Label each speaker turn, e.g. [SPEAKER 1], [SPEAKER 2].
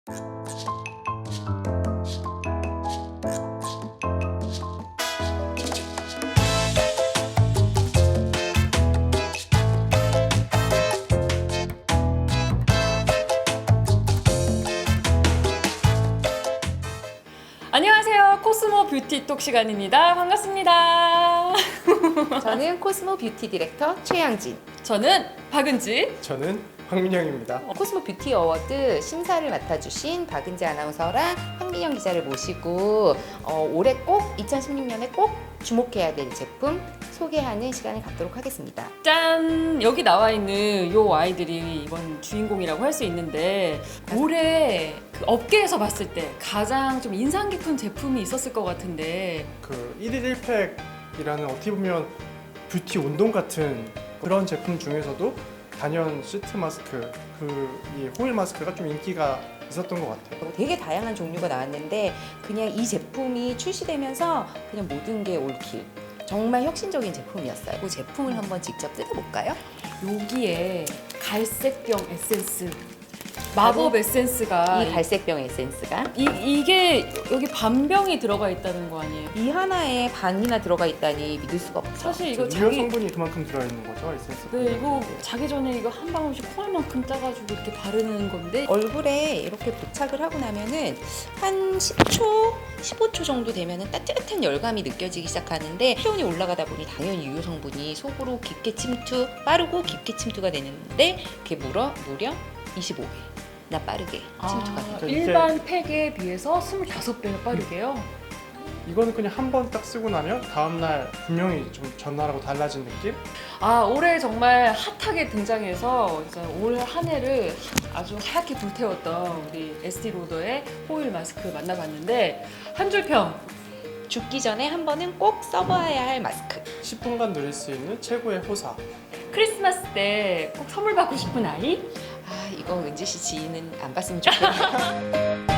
[SPEAKER 1] 안녕하세요. 코스모 뷰티 톡 시간입니다. 반갑습니다.
[SPEAKER 2] 저는 코스모 뷰티 디렉터 최양진.
[SPEAKER 1] 저는 박은지.
[SPEAKER 3] 저는 황민영입니다.
[SPEAKER 2] 코스모 뷰티 어워드 심사를 맡아주신 박은지 아나운서랑 황민영 기자를 모시고 올해 꼭 2016년에 꼭 주목해야 될 제품 소개하는 시간을 갖도록 하겠습니다.
[SPEAKER 1] 짠! 여기 나와 있는 요 아이들이 이번 주인공이라고 할 수 있는데 올해 그 업계에서 봤을 때 가장 좀 인상 깊은 제품이 있었을 것 같은데
[SPEAKER 3] 그 1일 1팩이라는 어떻게 보면 뷰티 운동 같은 그런 제품 중에서도 단연 시트 마스크, 이 호일 마스크가 좀 인기가 있었던 것 같아요.
[SPEAKER 2] 되게 다양한 종류가 나왔는데 그냥 이 제품이 출시되면서 그냥 모든 게 올킬. 정말 혁신적인 제품이었어요. 그 제품을 한번 직접 뜯어볼까요?
[SPEAKER 1] 여기에 갈색병 에센스, 마법 에센스가
[SPEAKER 2] 이 갈색병 에센스가
[SPEAKER 1] 이게 여기 반병이 들어가 있다는 거 아니에요?
[SPEAKER 2] 이 하나에 반이나 들어가 있다니 믿을 수가 없죠.
[SPEAKER 1] 사실 이거
[SPEAKER 3] 유효 성분이 그만큼 들어있는 거죠, 에센스.
[SPEAKER 1] 네, 이거 자기 전에 이거 한 방울씩 콩알만큼 짜가지고 이렇게 바르는 건데
[SPEAKER 2] 얼굴에 이렇게 부착을 하고 나면은 한 10초, 15초 정도 되면은 따뜻한 열감이 느껴지기 시작하는데 체온이 올라가다 보니 당연히 유효 성분이 속으로 깊게 침투, 빠르고 깊게 침투가 되는데 그게 무려 25배나 빠르게 침투가 돼요.
[SPEAKER 3] 이게-
[SPEAKER 1] 일반 팩에 비해서 25배가 빠르게요.
[SPEAKER 3] 이거는 그냥 한 번 딱 쓰고 나면 다음날 분명히 좀 전날하고 달라진 느낌?
[SPEAKER 1] 올해 정말 핫하게 등장해서 올 한 해를 아주 하얗게 불태웠던 우리 에스티로더의 호일 마스크 만나봤는데 한 줄 평.
[SPEAKER 2] 죽기 전에 한 번은 꼭 써봐야 할 마스크.
[SPEAKER 3] 10분간 누릴 수 있는 최고의 호사.
[SPEAKER 1] 크리스마스 때 꼭 선물 받고 싶은 아이?
[SPEAKER 2] 이거 은지 씨 지인은 안 봤으면 좋겠네요.